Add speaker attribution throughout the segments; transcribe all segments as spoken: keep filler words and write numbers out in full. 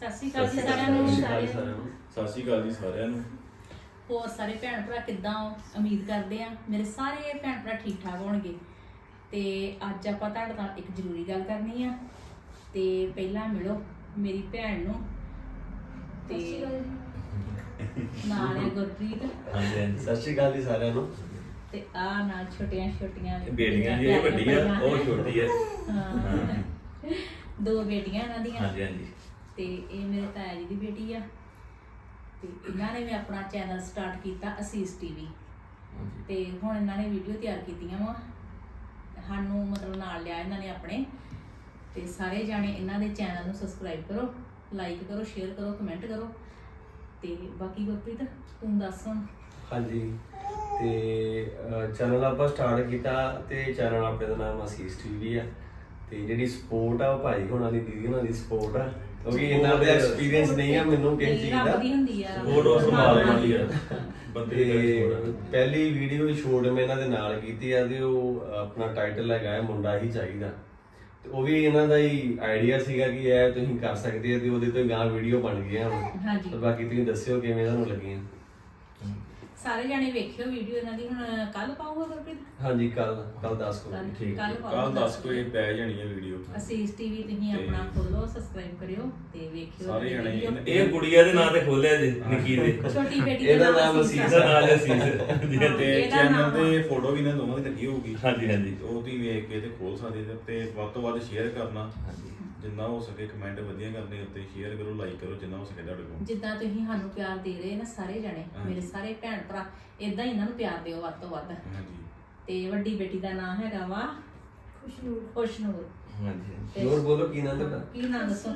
Speaker 1: ਸਤਿ ਸ਼੍ਰੀ ਅਕਾਲ ਜੀ ਸਾਰਿਆਂ ਨੂੰ।
Speaker 2: ਸਤਿ ਸ਼੍ਰੀ ਅਕਾਲ ਜੀ ਸਾਰਿਆਂ ਨੂੰ।
Speaker 1: ਹੋਰ ਸਾਰੇ ਭੈਣ ਭਰਾ ਕਿੱਦਾਂ ਹੋ? ਉਮੀਦ ਕਰਦੇ ਆ ਮੇਰੇ ਸਾਰੇ ਭੈਣ ਭਰਾ ਠੀਕ ਠਾਕ ਹੋਣਗੇ। ਤੇ ਅੱਜ ਆਪਾਂ ਤੁਹਾਡੇ ਨਾਲ ਇੱਕ ਜ਼ਰੂਰੀ ਗੱਲ ਕਰਨੀ ਆ। ਤੇ ਪਹਿਲਾਂ ਮਿਲੋ ਮੇਰੀ ਭੈਣ ਨੂੰ ਤੇ ਨਾਲ ਹੈ ਗੁਰਪ੍ਰੀਤ।
Speaker 2: ਹਾਂਜੀ ਹਾਂਜੀ
Speaker 3: ਸਤਿ ਸ਼੍ਰੀ ਅਕਾਲ ਜੀ ਸਾਰਿਆਂ ਨੂੰ।
Speaker 1: ਤੇ ਆ ਨਾਲ ਛੋਟੀਆਂ ਛੋਟੀਆਂ
Speaker 2: ਬੇਟੀਆਂ ਜੀ, ਇਹ ਵੱਡੀ ਆ ਉਹ ਛੋਟੀ ਹੈ।
Speaker 1: ਹਾਂ ਦੋ ਬੇਟੀਆਂ ਇਹਨਾਂ ਦੀਆਂ।
Speaker 2: ਹਾਂਜੀ ਹਾਂਜੀ
Speaker 1: ਤੇ ਇਹ ਮੇਰੇ ਤਾਇਆ ਜੀ ਦੀ ਬੇਟੀ ਆ। ਤੇ ਇਹਨਾਂ ਨੇ ਵੀ ਆਪਣਾ ਚੈਨਲ ਸਟਾਰਟ ਕੀਤਾ ਅਸੀਸ ਟੀਵੀ। ਤੇ ਹੁਣ ਇਹਨਾਂ ਨੇ ਵੀਡੀਓ ਤਿਆਰ ਕੀਤੀਆਂ ਵਾ, ਸਾਨੂੰ ਮਤਲਬ ਨਾਲ ਲਿਆ ਇਹਨਾਂ ਨੇ ਆਪਣੇ। ਤੇ ਸਾਰੇ ਜਾਣੇ ਇਹਨਾਂ ਦੇ ਚੈਨਲ ਨੂੰ ਸਬਸਕ੍ਰਾਈਬ ਕਰੋ, ਲਾਈਕ ਕਰੋ, ਸ਼ੇਅਰ ਕਰੋ, ਕਮੈਂਟ ਕਰੋ। ਤੇ ਬਾਕੀ ਗੁਰਪ੍ਰੀਤ ਤੂੰ ਦੱਸ ਹੁਣ।
Speaker 3: ਹਾਂਜੀ ਤੇ ਚੈਨਲ ਆਪਾਂ ਸਟਾਰਟ ਕੀਤਾ ਤੇ ਚੈਨਲ ਆਪਣੇ ਦਾ ਨਾਮ ਅਸੀਸ ਟੀਵੀ ਆ। ਤੇ ਜਿਹੜੀ ਸਪੋਰਟ ਆ ਉਹ ਭਾਈ ਹੋਣਾ ਦੀ, ਦੀਦੀ ਹੋਣਾ ਦੀ ਸਪੋਰਟ ਆ, ਕਿਉਂਕਿ ਇਹਨਾਂ ਦਾ ਐਕਸਪੀਰੀਅੰਸ ਨਹੀਂ ਆ ਮੈਨੂੰ ਕਿਸੇ ਚੀਜ਼ ਦਾ।
Speaker 2: ਫੋਟੋ ਸੰਭਾਲ ਵਾਲੀ ਆ ਬੰਦੇ
Speaker 3: ਤੇ
Speaker 2: ਦੀ।
Speaker 3: ਪਹਿਲੀ ਵੀਡੀਓ ਹੀ ਸ਼ੂਟ ਮੈਂ ਇਹਨਾਂ ਦੇ ਨਾਲ ਕੀਤੀ ਆ ਤੇ ਉਹ ਆਪਣਾ ਟਾਈਟਲ ਹੈਗਾ ਹੈ ਮੁੰਡਾ ਹੀ ਚਾਹੀਦਾ। ਤੇ ਉਹ ਵੀ ਇਹਨਾਂ ਦਾ ਹੀ ਆਈਡੀਆ ਸੀਗਾ ਕਿ ਇਹ ਤੁਸੀਂ ਕਰ ਸਕਦੇ ਆ ਤੇ ਉਹਦੇ ਤੋਂ ਗਾਂ ਵੀਡੀਓ ਬਣ ਗਈਆਂ ਹੁਣ।
Speaker 1: ਹਾਂਜੀ
Speaker 3: ਤੇ ਬਾਕੀ ਤੁਸੀਂ ਦੱਸਿਓ ਕਿਵੇਂ ਤੁਹਾਨੂੰ ਲੱਗੀਆਂ।
Speaker 1: ਸਾਰੇ ਜਾਣੇ ਵੇਖਿਓ ਵੀਡੀਓ ਇਹਨਾਂ ਦੀ। ਹੁਣ ਕੱਲ ਪਾਊਗਾ ਗੁਰਪ੍ਰੀਤ?
Speaker 3: ਹਾਂਜੀ ਕੱਲ ਕੱਲ ਦਸ ਕੋ
Speaker 1: ਕੱਲ੍ਹ-
Speaker 2: ਠੀਕ
Speaker 1: ਕੱਲ੍ਹ
Speaker 2: ਕੱਲ
Speaker 1: ਪਾਊਗਾ
Speaker 2: ਦਸ ਕੋਈ ਪੈ ਜਾਣੀ ਹੈ ਵੀਡੀਓ।
Speaker 1: ਅਸੀਸ ਟੀਵੀ ਤੁਸੀਂ
Speaker 2: ਤੇ
Speaker 1: ਆਪਣਾ ਖੋਲੋ, ਸਬਸਕ੍ਰਾਈਬ ਕਰਿਓ ਤੇ ਵੇਖਿਓ
Speaker 2: ਸਾਰੇ
Speaker 1: ਇਹਨਾਂ
Speaker 2: ਜਣੇ
Speaker 1: ਦੀ video।
Speaker 2: ਇਹ ਗੁੜੀਆ ਦੇ ਨਾਂ ਤੇ ਖੋਲਿਆ ਜੀ ਨਿੱਕੀ ਦੇ।
Speaker 1: ਛੋਟੀ ਬੇਟੀ
Speaker 3: ਇਹਦਾ
Speaker 1: ਦਾ
Speaker 3: ਨਾਮ
Speaker 1: ਅਸੀਸ
Speaker 3: ਅਸੀਸ
Speaker 1: ਆ।
Speaker 2: ਇਹਦਾ ਨਾਂ ਅਸੀਸ
Speaker 1: ਹਾਂ,
Speaker 2: ਤੇ
Speaker 1: ਇਹਦਾ
Speaker 2: ਚੈਨਲ
Speaker 1: ਨਾਮ
Speaker 2: ਤੇ ਫੋਟੋ ਵੀ ਨਾ ਦੋਵਾਂ ਦੀ ਲੱਗੀ ਹੋਊਗੀ।
Speaker 4: ਹਾਂਜੀ ਹਾਂਜੀ
Speaker 2: ਉਹ ਤੁਸੀਂ ਵੇਖ ਕੇ ਤੇ ਖੋਲ ਸਕਦੇ ਜੇ। ਤੇ ਵੱਧ ਤੋਂ ਵੱਧ ਸ਼ੇਅਰ ਕਰਨਾ,
Speaker 4: ਹਾਂਜੀ
Speaker 2: ਜਿੰਨਾ ਹੋ ਸਕੇ ਕਮੈਂਟ ਵਧੀਆ ਕਰਨੇ ਉੱਤੇ, ਸ਼ੇਅਰ ਕਰੋ, ਲਾਈਕ ਕਰੋ ਜਿੰਨਾ ਹੋ ਸਕੇ ਤੁਹਾਡੇ ਕੋਲ।
Speaker 1: ਜਿੱਦਾਂ ਤੁਸੀਂ ਸਾਨੂੰ ਪਿਆਰ ਦੇ ਰਹੇ ਨਾ ਸਾਰੇ ਜਣੇ,
Speaker 2: ਹਾਂ।
Speaker 1: ਮੇਰੇ ਸਾਰੇ ਭੈਣ ਭਰਾ ਇਦਾਂ ਹੀ ਇਹਨਾਂ ਨੂੰ ਪਿਆਰ ਦਿਓ ਵੱਧ ਤੋਂ ਵੱਧ।
Speaker 2: ਹਾਂਜੀ
Speaker 1: ਤੇ ਵੱਡੀ ਬੇਟੀ ਦਾ ਨਾਮ ਹੈਗਾ ਵਾ ਖੁਸ਼ਨੂਰ। ਖੁਸ਼ਨੂਰ
Speaker 4: ਹਾਂਜੀ
Speaker 1: ਤੇ
Speaker 3: ਹੋਰ ਬੋਲੋ ਕੀ ਨਾਮ ਤੁਹਾਡਾ?
Speaker 1: ਕੀ ਨਾਮ ਦੱਸੋ?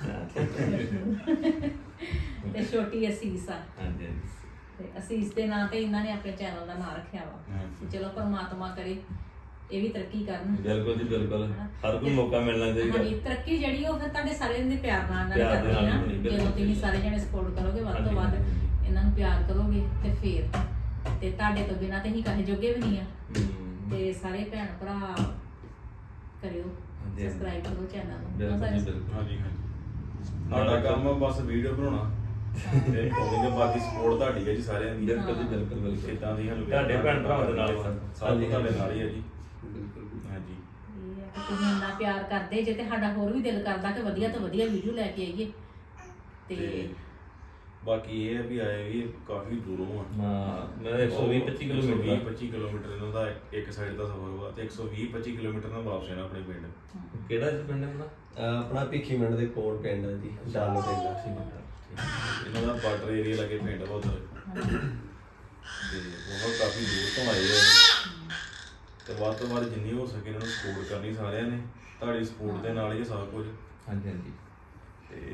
Speaker 1: ਤੇ ਛੋਟੀ ਅਸੀਸ ਆ।
Speaker 4: ਹਾਂਜੀ
Speaker 1: ਤੇ ਅਸੀਸ ਦੇ ਨਾਂ ਤੇ ਇਹਨਾਂ ਨੇ ਆਪਣੇ ਚੈਨਲ ਦਾ ਨਾਮ ਰੱਖਿਆ ਵਾ।
Speaker 2: ਹਾਂਜੀ।
Speaker 1: ਚਲੋ ਪਰਮਾਤਮਾ ਕਰੇ ਇਹ ਵੀ ਤਰੱਕੀ ਕਰਨ।
Speaker 4: ਬਿਲਕੁਲ ਜੀ ਬਿਲਕੁਲ, ਹਰ ਕੋਈ ਮੌਕਾ ਮਿਲਣਾ ਚਾਹੀਦਾ।
Speaker 1: ਹਾਂਜੀ, ਤਰੱਕੀ ਜਿਹੜੀ ਉਹ ਫਿਰ ਤੁਹਾਡੇ ਸਾਰਿਆਂ ਦੇ ਪਿਆਰ ਨਾਲ ਨਾਲ
Speaker 4: ਪਿਆਰ ਦੇ
Speaker 1: ਕਰਨੀ
Speaker 4: ਨਾਲ
Speaker 1: ਨਾ।
Speaker 4: ਹੋਣੀ, ਬਿਲਕੁਲ।
Speaker 1: ਜਦੋਂ ਤੁਸੀਂ ਸਾਰੇ ਜਣੇ ਸਪੋਰਟ ਕਰੋਗੇ ਵੱਧ ਤੋਂ
Speaker 4: ਹਾਂਜੀ,
Speaker 1: ਵੱਧ,
Speaker 4: ਹਾਂਜੀ।
Speaker 1: ਇਹਨਾਂ ਨੂੰ ਪਿਆਰ ਕਰੋਗੇ ਤੇ ਫੇਰ ਤੇ ਤੁਹਾਡੇ ਤੋਂ ਬਿਨਾਂ ਤੇ ਅਸੀਂ ਕਹੇ ਜੋਗੇ ਵੀ ਨਹੀਂ ਆ।
Speaker 4: ਹਮ,
Speaker 1: ਤੇ ਸਾਰੇ ਭੈਣ ਭਰਾ ਕਰਿਓ
Speaker 4: ਹਾਂਜੀ।
Speaker 1: ਸਬਸਕ੍ਰਾਈਬ ਕਰੋ ਚੈਨਲ ਨੂੰ।
Speaker 4: ਬਿਲਕੁਲ ਜੀ
Speaker 1: ਸਾਰੇ-
Speaker 4: ਬਿਲਕੁਲ।
Speaker 2: ਹਾਂਜੀ ਹਾਂਜੀ ਸਾਡਾ ਕੰਮ ਆ ਬਸ ਵੀਡੀਓ ਬਣਾਉਣਾ ਤੇ ਉਹਦੇ ਬਾਕੀ ਸਪੋਰਟ ਤੁਹਾਡੀ ਹੈ ਜੀ ਸਾਰਿਆਂ ਦੀ।
Speaker 4: ਬਿਲਕੁਲ ਜੀ ਬਿਲਕੁਲ ਬਿਲਕੁਲ।
Speaker 2: ਕਿੱਦਾਂ ਦੀ ਸਾਨੂੰ
Speaker 4: ਤੁਹਾਡੇ ਭੈਣ ਭਰਾਵਾਂ ਦੇ ਨਾਲ ਵਾ।
Speaker 2: ਸਾਰੇ ਤੁਹਾਡੇ ਨਾਲ ਹੀ ਹੈ ਜੀ।
Speaker 3: ਬਿਲਕੁਲ
Speaker 2: ਹਾਂਜੀ
Speaker 1: ਇਹ ਆ ਕਿ ਤੁਸੀਂ ਇੰਨਾ ਪਿਆਰ ਕਰਦੇ ਜੇ ਤੇ ਸਾਡਾ ਹੋਰ ਵੀ ਦਿਲ ਕਰਦਾ ਕਿ ਵਧੀਆ ਤੋਂ ਵਧੀਆ ਵੀਡੀਓ ਲੈ ਕੇ ਆਈਏ। ਤੇ
Speaker 2: ਤੇ ਬਾਕੀ ਇਹ ਹੈ ਵੀ ਆਏ ਵੀ ਕਾਫੀ ਦੂਰੋਂ ਆ।
Speaker 4: ਹਾਂ ਮੈਂ ਇੱਕ ਸੌ ਵੀਹ ਪੱਚੀ ਕਿਲੋਮੀਟਰ
Speaker 2: ਵੀਹ ਪੱਚੀ ਕਿਲੋਮੀਟਰ ਇਹਨਾਂ ਦਾ ਇੱਕ- ਇੱਕ ਸਾਈਡ ਦਾ ਸਫ਼ਰ ਹੋਇਆ ਤੇ ਇੱਕ ਸੌ ਵੀਹ ਪੱਚੀ ਕਿਲੋਮੀਟਰ ਨਾਲ ਵਾਪਸ ਆਣਾ ਆਪਣੇ ਪਿੰਡ।
Speaker 4: ਕਿਹੜਾ ਜੀ ਪਿੰਡ ਆਪਣਾ?
Speaker 3: ਅਹ ਆਪਣਾ ਭਿੱਖੀ ਮਿੰਟ ਦੇ ਕੋਲ ਪਿੰਡ ਹੈ ਜੀ, ਡਾਲੋ ਪਿੰਡ ਆ।
Speaker 4: ਠੀਕ ਹੈ
Speaker 2: ਇਹਨਾਂ ਦਾ ਬਾਰਡਰ ਏਰੀਆ ਲੱਗੇ ਪਿੰਡ ਵਾ ਉੱਧਰ। ਤੇ ਉਹ ਕਾਫੀ ਦੂਰ ਤੋਂ ਆਏ ਆ ਤੇ ਵੱਧ ਤੋਂ ਵੱਧ ਜਿੰਨੀ ਹੋ ਸਕੇ ਇਹਨਾਂ ਨੂੰ ਸਪੋਰਟ ਕਰਨੀ ਸਾਰਿਆਂ ਨੇ। ਤੁਹਾਡੀ ਸਪੋਰਟ ਦੇ ਨਾਲ ਹੀ ਹੈ ਸਭ ਕੁਝ।
Speaker 4: ਹਾਂਜੀ ਹਾਂਜੀ।
Speaker 2: ਤੇ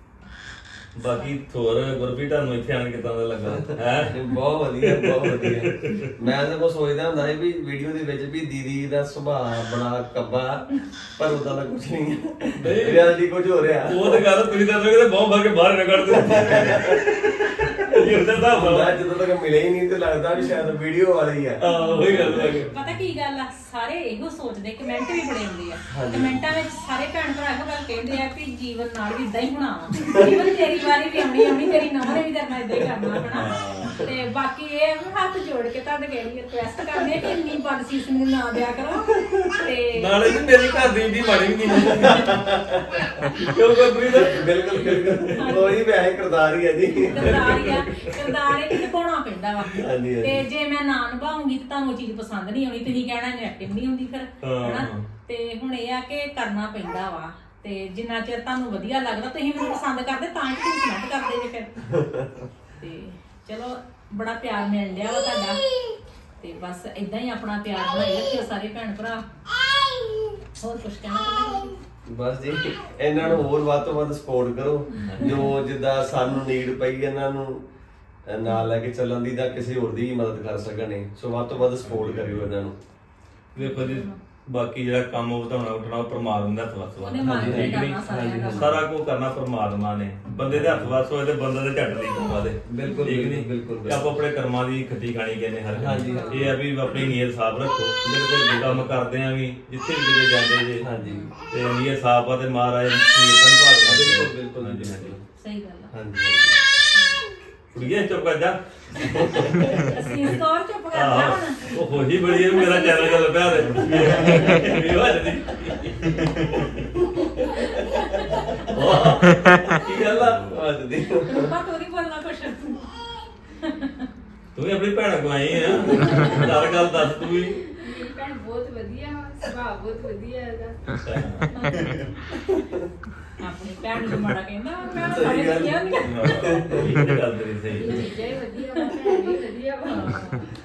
Speaker 4: ਬਾਕੀ ਥੋਰ ਗੁਰਪ੍ਰੀਤ ਤੁਹਾਨੂੰ ਇੱਥੇ ਆਣ ਕੇ ਤਾਂ ਦਾ ਲੱਗਾ ਹੈ?
Speaker 3: ਬਹੁਤ ਵਧੀਆ ਬਹੁਤ ਵਧੀਆ। ਮੈਂ ਤਾਂ ਕੋ ਸੋਚਦਾ ਹੁੰਦਾ ਸੀ ਵੀ ਵੀਡੀਓ ਦੇ ਵਿੱਚ ਵੀ ਦੀਦੀ ਦਾ ਸੁਭਾਅ ਬੜਾ ਕੱਬਾ, ਪਰ ਉਦਾਂ ਦਾ ਕੁਝ ਨਹੀਂ ਹੈ। ਰਿਐਲਿਟੀ ਕੁਝ ਹੋ ਰਿਹਾ।
Speaker 4: ਉਹ ਤਾਂ ਗੱਲ ਤੁਸੀਂ ਦੱਸੋਗੇ ਤੇ ਬਹੁਤ ਭਾਗੇ ਬਾਹਰ ਨਿਕਲ ਦਿੰਦੇ ਇਹ ਉਹਦਾ ਹਿਸਾਬ
Speaker 3: ਮੈਂ
Speaker 4: ਆ।
Speaker 3: ਜਦੋਂ ਤੱਕ ਮਿਲੇ ਹੀ ਨਹੀਂ ਤੇ ਲੱਗਦਾ ਵੀ ਸ਼ਾਇਦ ਵੀਡੀਓ ਵਾਲੀ ਆ।
Speaker 4: ਹਾਂ ਉਹੀ ਗੱਲ ਹੈ।
Speaker 1: ਪਤਾ ਕੀ ਗੱਲ ਆ, ਸਾਰੇ ਇਹੋ ਸੋਚਦੇ, ਕਮੈਂਟ ਵੀ ਬੜੇ ਆਉਂਦੇ ਆ।
Speaker 3: ਹਾਂਜੀ।
Speaker 1: ਕਮੈਂਟਾਂ ਵਿੱਚ ਸਾਰੇ ਭੈਣ ਭਰਾ ਇਹੋ ਗੱਲ ਕਹਿੰਦੇ ਆ ਕਿ ਜੀਵਨ ਨਾਲ ਵੀ ਇਦਾਂ ਹੀ ਹੋਣਾ ਵਾ। ਜੀਵਨ ਤੇਰੀ ਵਾਰੀ ਵੀ ਆਉਣੀ ਆਉਣੀ, ਤੇਰੀ ਨੌਂ ਨੇ ਵੀ ਕਰਨਾ ਇਦਾਂ ਹੀ ਕਰਨਾ ਹਨਾ। ਤੇ ਬਾਕੀ ਇਹ ਆ ਵੀ ਹੱਥ ਜੋੜ ਕੇ ਤੁਹਾਡੇ ਕਿਹੜੀ ਰਿਕੁਐਸਟ ਕਰਦੇ ਆ ਕਿ ਇੰਨੀ ਬਦਸੀਸ ਮੈਨੂੰ ਨਾ ਦਿਆ ਕਰੋ। ਤੇ
Speaker 4: ਨਾਲੇ ਜੀ ਮੇਰੀ ਘਰ ਦੀ ਇੰਨੀ ਮਾੜੀ ਵੀ ਨਹੀਂ ਕਿਉਂ ਗੁਰਪ੍ਰੀਤ?
Speaker 3: ਬਿਲਕੁਲ ਬਿਲਕੁਲ ਉਹੀ ਵੈਸੇ ਕਰਦਾਰ ਹੀ ਹੈ ਜੀ।
Speaker 1: ਕਿਰਦਾਰ ਹੀ ਆ, ਕਿਰਦਾਰ ਇਹ ਨਿਭਾਉਣਾ ਪੈਂਦਾ ਵਾ।
Speaker 3: ਹਾਂਜੀ, ਹਾਂਜੀ।
Speaker 1: ਤੇ ਜੇ ਮੈਂ ਨਾ ਨਿਭਾਉਂਗੀ ਤੇ ਤੁਹਾਨੂੰ ਉਹ ਚੀਜ਼ ਪਸੰਦ ਨਹੀਂ ਆਉਣੀ, ਤੁਸੀਂ ਕਹਿਣਾ ਇਹਨੂੰ ਐਕਟਿੰਗ ਨਹੀਂ ਹੁੰਦੀ ਫਿਰ ਹਨਾ।
Speaker 4: ਹਾਂ।
Speaker 1: ਤੇ ਹੁਣ ਇਹ ਆ ਕਿ ਕਰਨਾ ਪੈਂਦਾ ਵਾ। ਤੇ ਜਿੰਨਾ ਚਿਰ ਤੁਹਾਨੂੰ ਵਧੀਆ ਲੱਗਦਾ, ਤੁਸੀਂ ਮੈਨੂੰ ਪਸੰਦ ਕਰਦੇ ਤਾਂ ਹੀ ਤੁਸੀਂ ਕਮੈਂਟ ਕਰਦੇ ਜੇ ਫਿਰ। ਤੇ ਚਲੋ ਬੜਾ ਪਿਆਰ ਮਿਲ ਰਿਹਾ ਵਾ ਤੁਹਾਡਾ। ਤੇ ਬਸ ਇਦਾਂ ਹੀ ਆਪਣਾ ਪਿਆਰ ਬਣਾਈ ਰੱਖਿਓ ਸਾਰੇ ਭੈਣ ਭਰਾ। ਹੋਰ ਕੁਝ ਕਹਿਣਾ ਚਾਹੁੰਦੇ?
Speaker 3: ਬਸ ਜੀ ਇਹਨਾਂ ਨੂੰ ਹੋਰ ਵੱਧ ਤੋਂ ਵੱਧ ਸਪੋਰਟ ਕਰੋ। ਜੋ ਜਿੱਦਾਂ ਸਾਨੂੰ ਨੀਡ ਪਈ ਇਹਨਾਂ ਨੂੰ ਨਾਲ ਲੈ ਕੇ ਚੱਲਣ ਦੀ, ਤਾਂ ਕਿਸੇ ਹੋਰ ਦੀ ਵੀ ਮਦਦ ਕਰ ਸਕਣੇ। ਸੋ ਵੱਧ ਤੋਂ ਵੱਧ ਸਪੋਰਟ ਕਰਿਓ ਇਹਨਾਂ ਨੂੰ।
Speaker 4: ਵੇਖੋ ਜੀ ਬਾਕੀ ਜਿਹੜਾ ਕੰਮ ਵਧਾਉਣਾ ਉੱਠਣਾ ਉਹ ਪਰਮਾਤਮਾ ਦੇ ਹੱਥ ਵੱਸ ਵਾ
Speaker 1: ਉਹਨੇ ਮਾਰ ਕੇ
Speaker 3: ਹਾਂਜੀ,
Speaker 1: ਕਰਨਾ ਸਾਰਿਆਂ ਦਾ
Speaker 4: ਸਾਰਾ ਕੁਝ ਕਰਨਾ ਪਰਮਾਤਮਾ ਨੇ ਬੰਦੇ ਦੇ ਹੱਥ ਵੱਸ ਹੋਏ ਤੇ ਬੰਦੇ ਦੇ ਝੱਟ ਦੀ ਕੋਵਾ ਦੇ
Speaker 3: ਬਿਲਕੁਲ,
Speaker 4: ਠੀਕ ਨੀ?
Speaker 3: ਬਿਲਕੁਲ, ਬਿਲਕੁਲ।
Speaker 4: ਆਪਾਂ ਆਪਣੇ ਕਰਮਾਂ ਦੀ ਖੱਟੀ ਖਾਣੀ ਕਹਿੰਦੇ ਹਰ ਇੱਕ।
Speaker 3: ਹਾਂਜੀ, ਹਾਂਜੀ।
Speaker 4: ਇਹ ਆ ਵੀ ਆਪਣੀ ਨੀਅਤ ਸਾਫ਼ ਰੱਖੋ ਜਿਹੜੇ ਕੰਮ ਕਰਦੇ ਆ ਵੀ ਜਿੱਥੇ ਵੀ ਕਿਤੇ ਜਾਂਦੇ ਜੇ
Speaker 3: ਹਾਂਜੀ।
Speaker 4: ਤੇ ਨੀਅਤ ਸਾਫ਼ ਆ ਤੇ ਮਹਾਰਾਜ ਨੀਅਤ ਸੰਭਾਲ ਲੈਂਦੇ।
Speaker 3: ਬਿਲਕੁਲ, ਬਿਲਕੁਲ,
Speaker 4: ਹਾਂਜੀ,
Speaker 3: ਬਿਲਕੁਲ।
Speaker 4: ਹਾਂਜੀ।
Speaker 1: ਸਹੀ ਗੱਲ ਆ
Speaker 3: ਹਾਂਜੀ
Speaker 4: ਕੁੜੀਏ ਚੁੱਪ ਕਰ ਜਾ
Speaker 1: ਅਸੀਂ ਸਕੋਰ ਚੁੱਪ ਕਰ ਜਾ ਹੁਣ
Speaker 4: ਉਹ ਹੋਈ ਬੜੀ ਹੈ ਮੇਰਾ ਚੈਨਲ ਚੱਲ ਪਿਆ ਤੇ ਇਹ ਵੱਜਦੀ ਕੀ ਗੱਲ ਆ
Speaker 3: ਹਾਂਜੀ
Speaker 1: ਰੂਪਾ ਤੂੰ ਨਹੀਂ ਬੋਲਣਾ ਕੁਛ
Speaker 4: ਤੂੰ ਵੀ ਆਪਣੀ ਭੈਣ ਕੋ ਆਈ ਆ ਹਰ ਗੱਲ ਦੱਸ ਤੂੰ ਵੀ
Speaker 5: ਮੇਰੀ ਭੈਣ ਬਹੁਤ ਵਧੀਆ ਵਾ, ਸੁਭਾਅ ਬਹੁਤ ਵਧੀਆ ਇਹਦਾ।
Speaker 1: ਆਪਣੀ ਭੈਣ ਨੂੰ ਮਾੜਾ ਕਹਿੰਦਾ ਮੈਂ
Speaker 3: ਸਹੀ
Speaker 1: ਸਾਰੇ
Speaker 3: ਗੱਲ।
Speaker 1: ਵਧੀਆ ਹੁੰਦੀਆਂ
Speaker 4: ਇਹ ਤੇ ਗੱਲ ਤੇਰੀ ਸਹੀ
Speaker 5: ਇਹ ਚੀਜ਼ਾਂ ਹੀ ਵਧੀਆ ਵਾ, ਭੈਣ ਵੀ ਵਧੀਆ ਵਾ।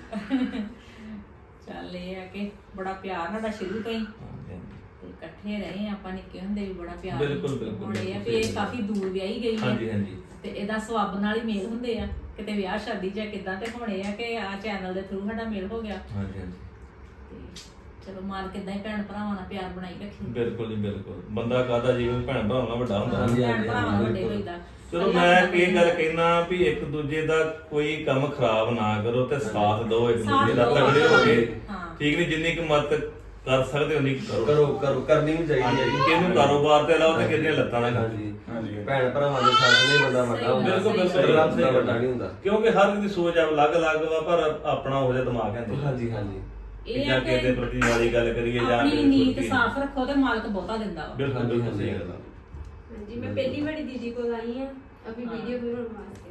Speaker 1: ਚੱਲ ਇਹ ਆ ਕਿ ਬੜਾ ਪਿਆਰ ਸਾਡਾ ਸ਼ੁਰੂ ਤੋਂ ਹੀ ਤੇ ਇਕੱਠੇ ਰਹੇ ਆ ਆਪਾਂ ਨਿੱਕੇ ਹੁੰਦੇ ਵੀ ਬੜਾ ਪਿਆਰ
Speaker 4: ਬਿਲਕੁਲ, ਬਿਲਕੁਲ,
Speaker 1: ਹੁਣ ਇਹ ਆ
Speaker 4: ਬਿਲਕੁਲ
Speaker 1: ਵੀ ਇਹ
Speaker 4: ਸਹੀ
Speaker 1: ਕਾਫੀ ਦੂਰ ਵਿਆਹੀ ਗਈ ਹੈ
Speaker 4: ਹਾਂਜੀ ਹਾਂਜੀ
Speaker 1: ਤੇ ਇਹਦਾ ਸਵਾਬ ਨਾਲ ਹੀ ਮੇਲ ਹੁੰਦੇ ਆ ਕਿਤੇ ਵਿਆਹ ਸ਼ਾਦੀ ਜਾਂ ਕਿਦਾਂ ਤੇ ਹੁਣ ਇਹ ਆ ਕਿ ਆ ਚੈਨਲ ਦੇ ਥਰੂ ਸਾਡਾ ਮੇਲ ਹੋ ਗਿਆ
Speaker 4: ਹਾਂਜੀ ਹਾਂਜੀ
Speaker 1: ਤੇ ਚਲੋ ਮਾਲਕ ਇਦਾਂ ਹੀ ਭੈਣ ਭਰਾਵਾਂ ਨਾਲ ਪਿਆਰ ਬਣਾਈ ਰੱਖੀ
Speaker 4: ਬਿਲਕੁਲ ਜੀ ਬਿਲਕੁਲ ਬੰਦਾ ਕਾਹਦਾ ਜੀਵਨ ਭੈਣ ਭਰਾਵਾਂ ਨਾਲ ਵੱਡਾ ਹੁੰਦਾ
Speaker 3: ਹਾਂਜੀ,
Speaker 1: ਭੈਣ
Speaker 3: ਹਾਂਜੀ,
Speaker 1: ਭਰਾਵਾਂ ਨਾਲ ਵੱਡੇ
Speaker 3: ਬਿਲਕੁਲ।
Speaker 1: ਹੋਈਦਾ
Speaker 4: ਚਲੋ ਮੈਂ ਇਹ ਗੱਲ ਕਹਿਣਾ ਵੀ ਇੱਕ ਦੂਜੇ ਦਾ ਕੋਈ ਕੰਮ ਖਰਾਬ ਨਾ ਕਰੋ ਤੇ ਸਾਥ ਦਿਓ ਇੱਕ
Speaker 1: ਸਾਥ
Speaker 4: ਦੂਜੇ ਦਾ
Speaker 1: ਦਿਓ,
Speaker 4: ਤਗੜੇ ਹੋ ਕੇ
Speaker 1: ਹਾਂ।
Speaker 4: ਠੀਕ ਨਹੀਂ ਜਿੰਨੀ ਕੁ ਮਦਦ ਕਰ ਸਕਦੇ ਉਨੀ ਕੁ ਕਰੋ
Speaker 3: ਕਰੋ ਕਰੋ ਕਰਨੀ ਵੀ ਚਾਹੀਦੀ ਹੈ ਜੀ
Speaker 4: ਕਿਹਨੂੰ ਕਾਰੋਬਾਰ ਤੇ ਲਾਓ ਤੇ ਕਿਹਦੀਆਂ ਲੱਤਾਂ ਨਾਲ
Speaker 3: ਹਾਂਜੀ
Speaker 2: ਹਾਂਜੀ।
Speaker 3: ਭੈਣ ਭਰਾਵਾਂ ਦੇ ਸਾਥ ਨਹੀਂ ਬੰਦਾ ਵੱਡਾ ਹੁੰਦਾ
Speaker 4: ਬਿਲਕੁਲ ਬਿਲਕੁਲ
Speaker 1: ਸਹੀ
Speaker 3: ਰੱਬ ਦਾ ਵੱਡਾ ਨਹੀਂ ਹੁੰਦਾ
Speaker 4: ਕਿਉਂਕਿ ਹਰ ਇੱਕ ਦੀ ਸੋਚ ਆ ਅਲੱਗ-ਅਲੱਗ ਵਾ ਪਰ ਆਪਣਾ ਉਹ ਜਿਹਾ ਦਿਮਾਗ ਹੈ
Speaker 3: ਹਾਂਜੀ ਹਾਂਜੀ
Speaker 1: ਇਹ
Speaker 4: ਜਾਂ
Speaker 1: ਆ
Speaker 4: ਕਿਸੇ ਦੇ
Speaker 1: ਕਿ
Speaker 4: ਪ੍ਰਤੀ ਵਾਲੀ ਗੱਲ ਕਰੀਏ ਜਾਂ
Speaker 1: ਆਪਣੀ
Speaker 4: ਕਿਸੇ
Speaker 1: ਨੀਤ
Speaker 4: ਪ੍ਰਤੀ-
Speaker 1: ਸਾਫ਼ ਰੱਖੋ ਤੇ ਮਾਲਕ ਬਹੁਤਾ ਦਿੰਦਾ ਵਾ
Speaker 4: ਬਿਲਕੁਲ
Speaker 3: ਹਾਂਜੀ,
Speaker 4: ਬਿਲਕੁਲ
Speaker 3: ਹਾਂਜੀ।
Speaker 4: ਸਹੀ ਗੱਲ ਆ
Speaker 5: ਹਾਂਜੀ, ਮੈਂ ਪਹਿਲੀ ਵਾਰੀ ਦੀਦੀ ਕੋਲ ਆਈ ਆ ਅਭੀ ਵੀਡੀਓ ਬਣਾਉਣ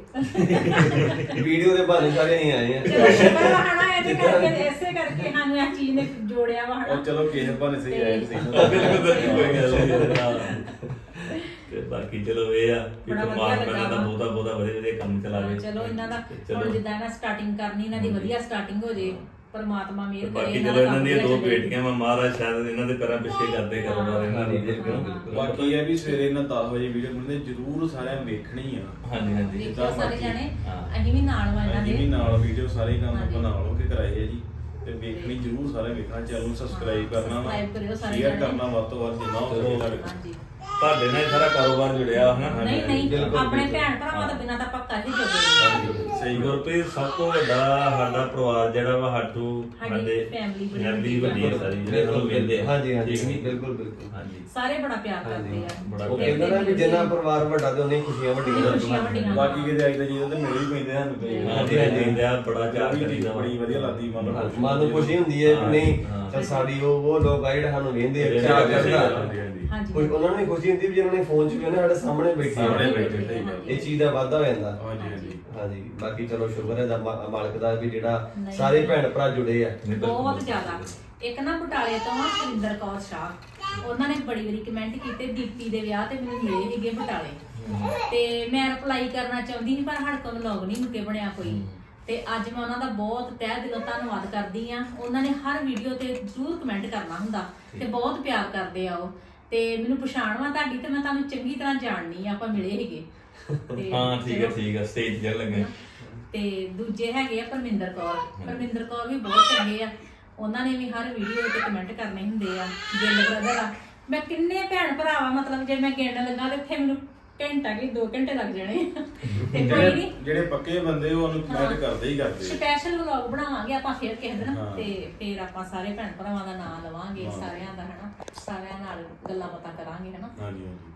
Speaker 5: ਵਾਸਤੇ।
Speaker 3: ਵੀਡੀਓ ਦੇ ਬਹਾਨੇ ਸਾਰੇ ਨਹੀਂ ਆਏ ਆ
Speaker 1: ਚਲੋ ਸ਼ੁਕਰ ਆ ਹਨਾ ਇਹਦੇ ਕਰਕੇ ਇਸੇ ਕਰਕੇ ਸਾਨੂੰ ਇਹ ਚੀਜ਼ ਨੇ ਜੋੜਿਆ ਵਾ ਹਨਾ
Speaker 2: ਉਹ ਚਲੋ ਕਿਸੇ ਬਹਾਨੇ ਸਹੀ ਆਏ ਸਹੀ
Speaker 4: ਬਿਲਕੁਲ ਬਿਲਕੁਲ ਕੋਈ ਗੱਲ ਨਹੀਂ ਹਾਂ। ਤੇ ਬਾਕੀ ਚਲੋ ਇਹ ਆ ਕਿ
Speaker 1: ਬੜਾ ਵਧੀਆ
Speaker 4: ਪਰਮਾਤਮਾ
Speaker 1: ਲੱਗਾ
Speaker 4: ਇਹਨਾਂ ਦਾ
Speaker 1: ਵਾ।
Speaker 4: ਬਹੁਤਾ ਬਹੁਤਾ ਵਧੀਆ ਵਧੀਆ ਕੰਮ ਚਲਾਵੇ
Speaker 1: ਚਲੋ ਇਹਨਾਂ ਦਾ
Speaker 4: ਤੇ
Speaker 1: ਹੁਣ
Speaker 4: ਚਲੋ
Speaker 1: ਜਿੱਦਾਂ ਇਹਨਾਂ ਸਟਾਰਟਿੰਗ ਕਰਨੀ ਇਹਨਾਂ ਦੀ ਵਧੀਆ ਸਟਾਰਟਿੰਗ ਹੋ ਜੇ ਪਰਮਾਤਮਾ ਮਿਹਰ ਕਰੇ
Speaker 4: ਬਾਕੀ
Speaker 1: ਇਹਨਾਂ
Speaker 4: ਚਲੋ
Speaker 1: ਦਾ
Speaker 4: ਇਹਨਾਂ
Speaker 1: ਕੰਮ
Speaker 4: ਦੀਆਂ ਦੋ
Speaker 1: ਵਧੀਆ ਚੱਲੇ।
Speaker 4: ਬੇਟੀਆਂ ਵਾ ਮਹਾਰਾਜ ਸ਼ਾਇਦ ਇਹਨਾਂ ਦੇ ਪੈਰਾਂ ਪਿੱਛੇ ਕਰਦੇ ਕਾਰੋਬਾਰ ਇਹਨਾਂ ਦੀ
Speaker 3: ਬਿਲਕੁਲ, ਬਿਲਕੁਲ।
Speaker 2: ਬਾਕੀ ਇਹ ਵੀ ਸਵੇਰੇ ਇਹਨਾਂ ਦਸ ਵਜੇ ਵੀਡੀਓ ਬਣਦੇ ਜਰੂਰ ਸਾਰਿਆਂ ਨੇ ਵੇਖਣੀ ਆ
Speaker 4: ਹਾਂਜੀ ਹਾਂਜੀ
Speaker 1: ਦੇਖਿਓ ਸਾਰੇ ਜਾਣੇ
Speaker 4: ਹਾਂ।
Speaker 1: ਅਸੀਂ ਵੀ ਨਾਲ ਵਾ ਇਹਨਾਂ
Speaker 2: ਅਸੀਂ ਵੀ
Speaker 1: ਦੇ
Speaker 2: ਨਾਲ ਵੀਡੀਓ ਸਾਰੇ ਕੰਮ
Speaker 1: ਹਾਂਜੀ।
Speaker 2: ਆਪਾਂ ਨਾਲ ਹੋ ਕੇ ਕਰਾਏ ਆ ਜੀ ਤੇ ਵੇਖਣੀ ਜਰੂਰ ਸਾਰੇ ਵੇਖਣਾ ਚੈਨਲ ਨੂੰ ਸਬਸਕ੍ਰਾਈਬ
Speaker 1: ਹਾਂ,
Speaker 2: ਕਰਨਾ ਵਾ
Speaker 1: subscribe ਕਰਿਓ ਸਾਰੇ
Speaker 2: ਸ਼ੇਅਰ
Speaker 1: ਜਾਣੇ।
Speaker 2: ਕਰਨਾ ਵੱਧ ਤੋਂ ਵੱਧ ਜਿੰਨਾ ਹੋ ਸਕੇ ਤੁਹਾਡੇ ਕੋਲ।
Speaker 1: ਹਾਂਜੀ
Speaker 4: ਤੁਹਾਡੇ ਨਾਲ ਹੀ ਸਾਰਾ ਕਾਰੋਬਾਰ ਜੁੜਿਆ ਹਨਾ
Speaker 1: ਨਹੀਂ ਨਹੀਂ
Speaker 3: ਬਿਲਕੁਲ,
Speaker 1: ਆਪਣੇ
Speaker 3: ਬਿਲਕੁਲ।
Speaker 1: ਭੈਣ ਭਰਾਵਾਂ ਤੋਂ ਬਿਨਾਂ ਤਾਂ ਪੱਕਾ ਹੀ ਜੋਗੇ
Speaker 4: ਸਹੀ ਗੁਰਪ੍ਰੀਤ ਸਭ ਤੋਂ ਵੱਡਾ ਸਾਡਾ ਪਰਿਵਾਰ ਜਿਹੜਾ ਵਾ ਸਾਡੂ
Speaker 1: ਸਾਡੀ
Speaker 4: ਸਾਡੇ
Speaker 1: family ਬੜੀ
Speaker 4: ਫੈਮਿਲੀ ਵੱਡੀ ਹੈ ਸਾਰੀ ਜਿਹੜੇ
Speaker 3: ਬਿਲਕੁਲ,
Speaker 4: ਸਾਨੂੰ ਮਿਲਦੇ ਆ
Speaker 3: ਹਾਂਜੀ ਹਾਂਜੀ
Speaker 4: ਠੀਕ ਨੀ?
Speaker 3: ਬਿਲਕੁਲ ਬਿਲਕੁਲ
Speaker 4: ਹਾਂਜੀ
Speaker 1: ਸਾਰੇ ਬੜਾ ਪਿਆਰ ਕਰਦੇ ਆ
Speaker 4: ਬੜਾ
Speaker 3: ਉਹ
Speaker 4: ਪਿਆਰ।
Speaker 3: ਕਹਿੰਦਾ ਨਾ ਵੀ ਜਿੰਨਾ ਪਰਿਵਾਰ ਵੱਡਾ ਤੇ ਉਹਨੇ ਖੁਸ਼ੀਆਂ ਵੱਡੀਆਂ
Speaker 1: ਖੁਸ਼ੀਆਂ ਵੱਡੀਆਂ।
Speaker 2: ਬਾਕੀ ਕਿਤੇ ਆਈ ਤਾਂ ਜੀ ਤੇ ਮੇਰੇ ਵੀ ਪੈਂਦੇ ਹਨ ਤੇ
Speaker 4: ਹਾਂਜੀ ਹਾਂਜੀ ਦਾ ਬੜਾ ਚਾਹ ਕਰੀਦਾ ਵਾ।
Speaker 2: ਬੜੀ ਵਧੀਆ ਲੱਗਦੀ ਮਨ ਨੂੰ
Speaker 3: ਮਨ ਨੂੰ ਖੁਸ਼ੀ ਹੁੰਦੀ ਹੈ ਕਿ ਨਹੀਂ
Speaker 4: ਹਾਂ।
Speaker 3: ਚੱਲ ਸਾਡੀ ਉਹ ਉਹ ਲੋਕ ਆ ਜਿਹੜੇ ਸਾਨੂੰ ਵੇਖਦੇ ਆ
Speaker 4: ਜਿਹੜੇ
Speaker 3: ਚਾਹ
Speaker 4: ਵੇਖਦੇ ਆ।
Speaker 3: ਕਰਦਾ
Speaker 2: ਹਾਂਜੀ
Speaker 1: ਹਾਂਜੀ
Speaker 3: ਕੁਝ ਉਹਨਾਂ ਨੂੰ ਵੀ ਖੁਸ਼ੀ ਹੁੰਦੀ ਵੀ ਜਿਹਨਾਂ ਨੇ ਫੋਨ 'ਚ ਵੀ ਉਹਨੇ ਸਾਡੇ ਸਾਹਮਣੇ ਬੈਠੇ ਆ।
Speaker 2: ਸਾਹਮਣੇ ਬੈਠੇ, ਸਹੀ ਗੱਲ।
Speaker 3: ਇਹ ਚੀਜ਼ ਦਾ ਵਾਧਾ ਹੋ ਜਾਂਦਾ
Speaker 2: ਹਾਂਜੀ ਹਾਂਜੀ
Speaker 3: ਹਾਂਜੀ ਬਾਕੀ ਚਲੋ ਸ਼ੁਕਰ ਹੈ ਦਾ ਮਾ- ਮਾਲਕ ਦਾ ਵੀ ਜਿਹੜਾ
Speaker 1: ਨਹੀਂ।
Speaker 3: ਸਾਰੇ ਭੈਣ ਭਰਾ ਜੁੜੇ ਆ
Speaker 1: ਬਹੁਤ ਜ਼ਿਆਦਾ ਇੱਕ ਨਾ ਬਟਾਲੇ ਤੋਂ ਆ ਸੁਰਿੰਦਰ ਕੌਰ ਸ਼ਾਹ ਉਹਨਾਂ ਨੇ ਬੜੀ ਵਾਰੀ ਕਮੈਂਟ ਕੀਤੇ ਦੀਪੀ ਦੇ ਵਿਆਹ ਤੇ ਮੈਨੂੰ ਮਿਲੇ ਸੀਗੇ ਬਟਾਲੇ ਤੇ ਮੈਂ ਰਿਪਲਾਈ ਕਰਨਾ ਚਾਹੁੰਦੀ ਸੀ ਪਰ ਸਾਡੇ ਕੋਲ ਵਲੌਗ ਨਹੀਂ ਮੁੱਕੇ ਬਣਿਆ ਕੋਈ ਤੇ ਅੱਜ ਮੈਂ ਉਹਨਾਂ ਦਾ ਬਹੁਤ ਤਹਿ ਦਿਲੋਂ ਧੰਨਵਾਦ ਕਰਦੀ ਆ ਉਹਨਾਂ ਨੇ ਹਰ ਵੀਡੀਓ ਤੇ ਜ਼ਰੂਰ ਕਮੈਂਟ ਕਰਨਾ ਹੁੰਦਾ ਤੇ ਬਹੁਤ ਪਿਆਰ ਕਰਦੇ ਆ ਉਹ ਤੇ ਮੈਨੂੰ ਪਛਾਣ ਵਾ ਤੁਹਾਡੀ ਤੇ ਮੈਂ ਤੁਹਾਨੂੰ ਚੰਗੀ ਤਰ੍ਹਾਂ ਜਾਣਨੀ ਆ ਆਪਾਂ ਮਿਲੇ ਸੀਗੇ ਤੇ
Speaker 4: ਹਾਂ ਠੀਕ ਹੈ
Speaker 1: ਚਲੋ।
Speaker 4: ਠੀਕ ਹੈ ਸਟੇਜ ਤੇ ਲੱਗੇ
Speaker 1: ਤੇ ਦੂਜੇ ਹੈਗੇ ਆ ਪਰਮਿੰਦਰ ਕੌਰ ਪਰਮਿੰਦਰ ਕੌਰ ਵੀ ਬਹੁਤ ਚੰਗੇ ਆ ਉਹਨਾਂ ਨੇ ਵੀ ਹਰ ਵੀਡੀਓ ਤੇ ਕਮੈਂਟ ਕਰਨੇ ਹੁੰਦੇ ਆ ਗਿੱਲ ਬ੍ਰਦਰ ਆ ਮੈਂ ਕਿੰਨੇ ਭੈਣ ਭਰਾਵਾ ਮਤਲਬ ਜੇ ਮੈਂ ਗਿਣਨ ਲੱਗਾ ਤੇ ਇੱਥੇ ਮੈਨੂੰ ਘੰਟਾ ਕਿ ਦੋ ਘੰਟੇ ਲੱਗ ਜਾਣੇ ਤੇ ਕੋਈ
Speaker 2: ਜਿਹੜੇ
Speaker 1: ਨਹੀਂ
Speaker 2: ਜਿਹੜੇ ਪੱਕੇ ਬੰਦੇ ਉਹ ਉਹਨੂੰ ਕਮੈਂਟ ਕਰਦੇ ਹੀ ਕਰਦੇ ਆ।
Speaker 1: ਸਪੈਸ਼ਲ ਵਲੌਗ ਬਣਾਵਾਂਗੇ ਆਪਾਂ ਫਿਰ ਕਿਸੇ ਦਿਨ
Speaker 2: ਹਾਂ।
Speaker 1: ਤੇ ਫਿਰ ਆਪਾਂ ਸਾਰੇ ਭੈਣ ਭਰਾਵਾਂ ਦਾ ਨਾਮ ਲਵਾਂਗੇ
Speaker 2: ਹਾਂ।
Speaker 1: ਸਾਰਿਆਂ ਦਾ ਹਨਾ ਸਾਰਿਆਂ ਨਾਲ ਗੱਲਾਂ ਬਾਤਾਂ ਕਰਾਂਗੇ ਹਨਾ
Speaker 2: ਹਾਂਜੀ ਹਾਂਜੀ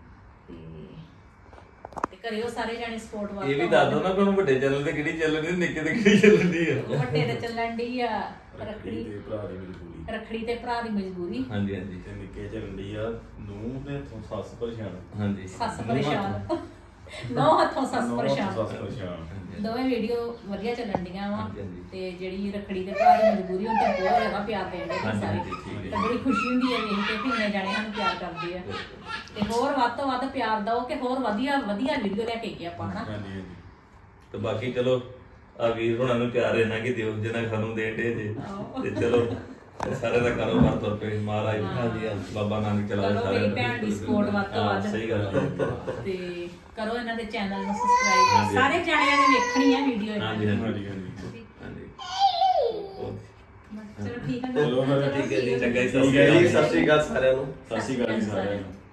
Speaker 1: ਤੇ ਤੇ ਕਰਿਓ ਸਾਰੇ ਜਾਣੇ ਸਪੋਰਟ ਵਾਸਤੇ
Speaker 4: ਇਹ ਵੀ ਦੱਸ ਦੋ ਨਾ ਕਿ ਉਹਨੂੰ ਵੱਡੇ ਚੱਲਣ ਤੇ ਕਿਹੜੀ ਚੱਲਣ ਦੀ ਨਿੱਕੇ ਤੇ ਕਿਹੜੀ ਚੱਲਣ ਦੀ ਆ
Speaker 1: ਵੱਡੇ ਤੇ ਚੱਲਣ ਦੀ ਆ
Speaker 2: ਰੱਖੜੀ
Speaker 1: ਰੱਖੜੀ
Speaker 2: ਤੇ ਭਰਾ ਦੀ ਮਜਬੂਰੀ
Speaker 1: ਰੱਖੜੀ ਤੇ ਭਰਾ ਦੀ ਮਜਬੂਰੀ
Speaker 4: ਹਾਂਜੀ ਹਾਂਜੀ
Speaker 2: ਤੇ ਨਿੱਕੇ ਚੱਲਦੀ ਆ ਨੂੰ ਤੇ ਤੋਂ ਸੱਸ ਪਰੇਸ਼ਾਨ
Speaker 4: ਹਾਂਜੀ
Speaker 1: ਸੱਸ ਪਰੇਸ਼ਾਨ ਨੌ ਹੱਥੋਂ ਸੱਸ
Speaker 2: ਨੌਂ
Speaker 1: ਪਰੇਸ਼ਾਨ
Speaker 2: ਸੱਸ ਪਰੇਸ਼ਾਨ
Speaker 1: ਦੋਵੇਂ ਵੀਡੀਓ ਵਧੀਆ ਚੱਲਣ ਡੀਆਂ ਵਾ
Speaker 4: ਹਾਂਜੀ, ਹਾਂਜੀ।
Speaker 1: ਤੇ ਜਿਹੜੀ ਰੱਖੜੀ ਦੇ ਭਰਾ ਦੀ ਮਜਬੂਰੀ ਉਹਨਾਂ ਤੇ ਬਹੁਤ ਜ਼ਿਆਦਾ ਪਿਆਰ ਦੇਣ ਦੇ
Speaker 4: ਹਾਂਜੀ,
Speaker 1: ਸਾਰੇ
Speaker 4: ਹਾਂਜੀ, ਠੀਕ ਹੈ।
Speaker 1: ਤੇ ਬੜੀ ਖੁਸ਼ੀ ਹੁੰਦੀ ਹੈ ਵੇਖ ਕੇ ਕਿ ਇੰਨੇ ਜਾਣੇ ਸਾਨੂੰ ਪਿਆਰ ਕਰਦੇ ਆ ਤੇ ਹੋਰ ਵੱਧ ਤੋਂ ਵੱਧ ਪਿਆਰ ਦਿਓ ਕਿ ਹੋਰ ਵਧੀਆ ਵਧੀਆ ਵੀਡੀਓ ਲੈ ਕੇ ਆਈਏ ਆਪਾਂ ਹਨਾ
Speaker 2: ਹਾਂਜੀ ਹਾਂਜੀ
Speaker 4: ਤੇ ਬਾਕੀ ਚਲੋ ਆ ਵੀਰ ਹੁਣਾਂ ਨੂੰ ਪਿਆਰ ਇਹਨਾਂ ਕਿ ਦਿਓ ਜਿੰਨਾ ਸਾਨੂੰ ਦੇਣ ਦੇ ਜੇ ਤੇ ਚਲੋ ਸਾਰੇ ਦਾ ਕਾਰੋਬਾਰ ਤੁਰ ਪਏ ਮਹਾਰਾਜ
Speaker 3: ਹਾਂਜੀ, ਹਾਂਜੀ।
Speaker 4: ਬਾਬਾ ਨਾਨਕ ਚਲਾਵੇ
Speaker 1: ਚਲੋ
Speaker 4: ਸਾਰੇ
Speaker 1: ਮੇਰੀ ਭੈਣ ਦੀ support ਵੱਧ ਤੋਂ ਵੱਧ।
Speaker 4: ਸਹੀ ਗੱਲ ਹੈ
Speaker 1: ਤੇ ਕਰੋ ਇਹਨਾਂ ਦੇ ਚੈਨਲ ਨੂੰ ਸਬਸਕ੍ਰਾਈਬ
Speaker 4: ਹਾਂਜੀ।
Speaker 1: ਸਾਰੇ ਜਾਣਿਆਂ ਨੇ ਵੇਖਣੀ ਆ ਵੀਡੀਓ ਇਹਨਾਂ
Speaker 4: ਹਾਂਜੀ
Speaker 1: ਦੀ
Speaker 2: ਹਾਂਜੀ ਹਾਂਜੀ
Speaker 4: ਹਾਂਜੀ
Speaker 1: ਚਲੋ ਠੀਕ ਹੈ
Speaker 2: ਚਲੋ ਫਿਰ
Speaker 1: ਠੀਕ ਹੈ ਜੀ
Speaker 4: ਗਾਇਸ
Speaker 3: ਠੀਕ ਹੈ ਜੀ, ਸਤਿ ਸ਼੍ਰੀ ਅਕਾਲ ਸਾਰਿਆਂ ਨੂੰ।
Speaker 2: ਸਤਿ ਸ਼੍ਰੀ ਅਕਾਲ ਜੀ ਸਾਰਿਆਂ ਨੂੰ।